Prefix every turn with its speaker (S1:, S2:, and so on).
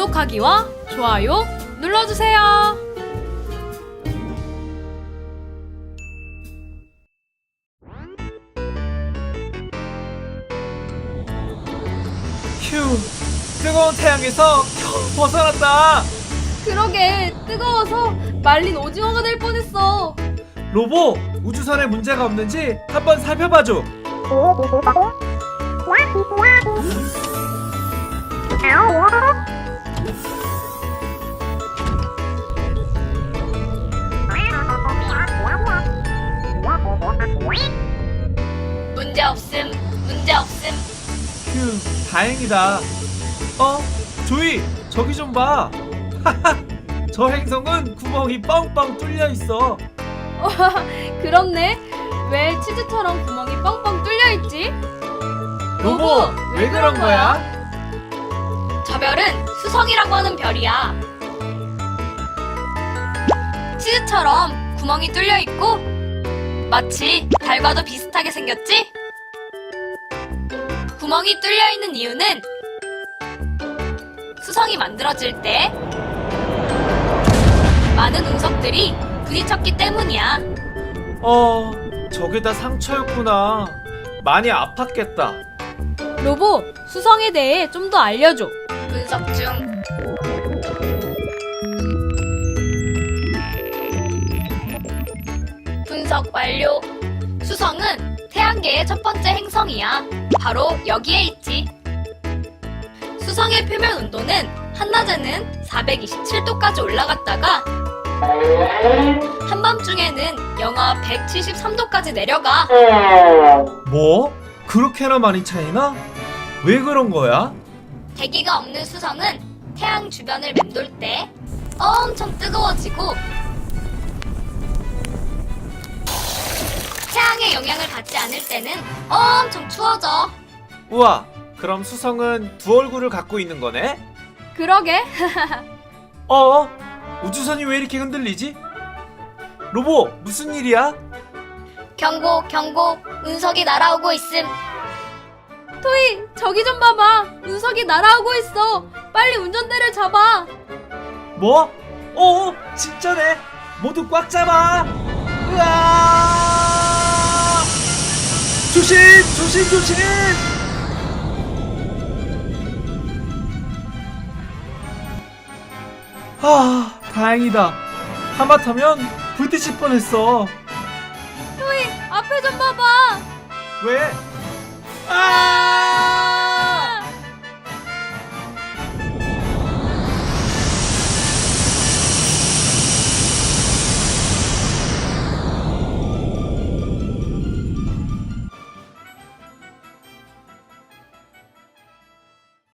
S1: 구독하기와 좋아요 눌러주세요.
S2: 휴, 뜨거운 태양에서 겨우 벗어났다.
S1: 그러게, 뜨거워서 말린 오징어가 될 뻔했어.
S2: 로보, 우주선에 문제가 없는지 한번 살펴봐줘.
S3: 문제 없음.
S2: 휴, 다행이다. 조이, 저기 좀 봐. 저 행성은 구멍이 뻥뻥 뚫려 있어.
S1: 그렇네. 왜 치즈처럼 구멍이 뻥뻥 뚫려있지?
S2: 로보, 왜 그런 거야?
S3: 저 별은 수성이라고 하는 별이야. 치즈처럼 구멍이 뚫려 있고 마치 달과도 비슷하게 생겼지? 구멍이 뚫려 있는 이유는 수성이 만들어질 때 많은 운석들이 부딪혔기 때문이야.
S2: 저게 다 상처였구나. 많이 아팠겠다.
S1: 로보, 수성에 대해 좀 더 알려줘.
S3: 분석 중. 분석 완료. 수성은 태양계의 첫 번째 행성이야. 바로 여기에 있지. 수성의 표면 온도는 한낮에는 427도까지 올라갔다가 한밤중에는 영하 173도까지 내려가.
S2: 뭐? 그렇게나 많이 차이나? 왜 그런 거야?
S3: 대기가 없는 수성은 태양 주변을 맴돌 때 엄청 뜨거워지고 태양의 영향을 받지 않을 때는 엄청 추워져.
S2: 우와, 그럼 수성은 두 얼굴을 갖고 있는 거네?
S1: 그러게.
S2: 우주선이 왜 이렇게 흔들리지? 로보, 무슨 일이야?
S3: 경고, 운석이 날아오고 있음.
S1: 토이, 저기 좀 봐봐. 운석이 날아오고 있어. 빨리 운전대를 잡아.
S2: 뭐? 진짜네. 모두 꽉 잡아. 으아! 조심! 다행이다. 하마터면 부딪힐 뻔했어.
S1: 토이, 앞에 좀 봐봐.
S2: 왜?